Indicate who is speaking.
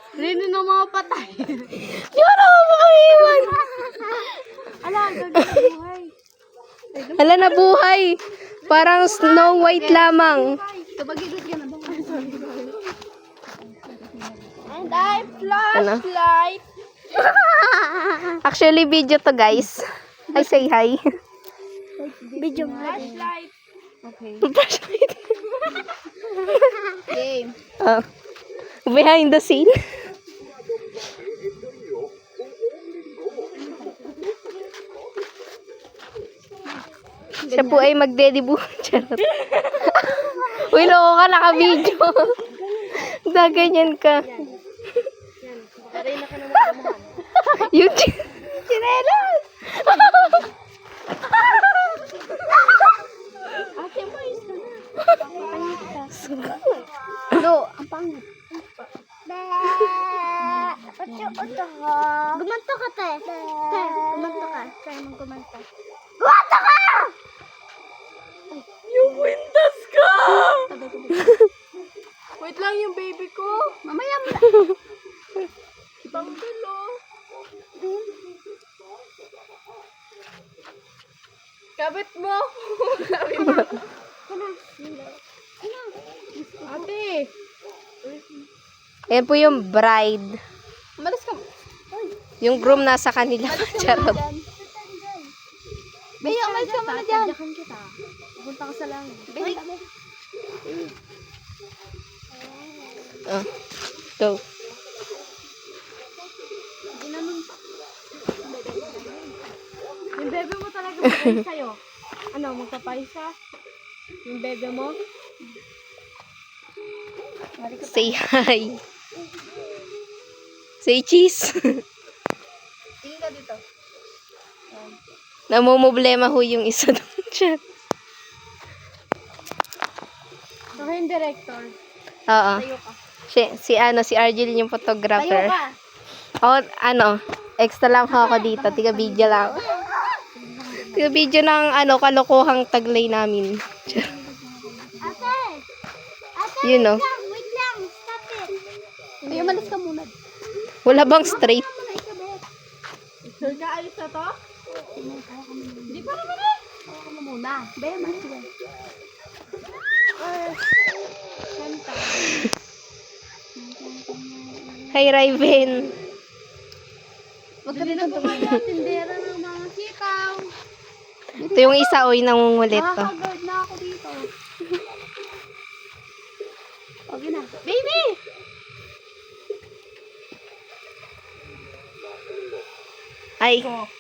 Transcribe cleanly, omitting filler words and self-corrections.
Speaker 1: Rino na mga patay.
Speaker 2: Yun ako makaiwan.
Speaker 1: Ala, buhay.
Speaker 2: Hala, nabuhay. Parang Snow White lamang.
Speaker 1: Tabagilot ka na ba? And I
Speaker 2: Ano?
Speaker 1: flashlight.
Speaker 2: Actually, video to, guys. Ay, say hi.
Speaker 1: Video flashlight. Okay.
Speaker 2: Flashlight.
Speaker 1: Game.
Speaker 2: Oh. Behind the scene. Siya po ay magde-debut. Charot. Uy, loko ka, naka-video. Ganyan ka.
Speaker 1: Aray na ka naman kamahan.
Speaker 2: Yung chinelas.
Speaker 1: Ate mo, isa na. No, ang pangit. Gumanto ka, te. Te, gumanto ka. Try mong gumanto. Gumanto ka! Yung windas ka! Wait lang yung baby ko. Mamaya mo na. Ibang dulo. Kabit mo. Kabit mo. Ate.
Speaker 2: Ayan po yung bride.
Speaker 1: Malas ka.
Speaker 2: Yung groom nasa kanila. Charot.
Speaker 1: Bea, umalis ka muna dyan. Tadyakan kita. Pupunta ka sa langit. Bea.
Speaker 2: Oh. Go.
Speaker 1: Ginanon pa. Yung bebe mo talaga magpapayos sa'yo. Ano, magpapayos ka? Yung bebe mo?
Speaker 2: Say hi. Say cheese.
Speaker 1: Tingin ka dito.
Speaker 2: Namumblema ho yung isa doon siya.
Speaker 1: Ako yung director.
Speaker 2: Oo.
Speaker 1: Tayo ka.
Speaker 2: Si Argel yung
Speaker 1: Tayo
Speaker 2: photographer.
Speaker 1: ka.
Speaker 2: O, extra lang ho ako dito. Tiga video lang. Tiga video ng kalokohang taglay namin.
Speaker 1: Ate! Ate,
Speaker 2: You know.
Speaker 1: wait lang. Stop it. Ay, umalis ka muna.
Speaker 2: Wala bang straight?
Speaker 1: Sure ka, ayos na to? Hindi pa naman eh. Ako ka muna. Bea, malis ka. Kanta.
Speaker 2: Hi, Raven.
Speaker 1: Huwag ka na tumayo. Tindera ng mga sikaw.
Speaker 2: Ito yung isa, oy, nangungulit to.
Speaker 1: Nakaka-guard na ako dito. Okay na. Baby!
Speaker 2: Ay,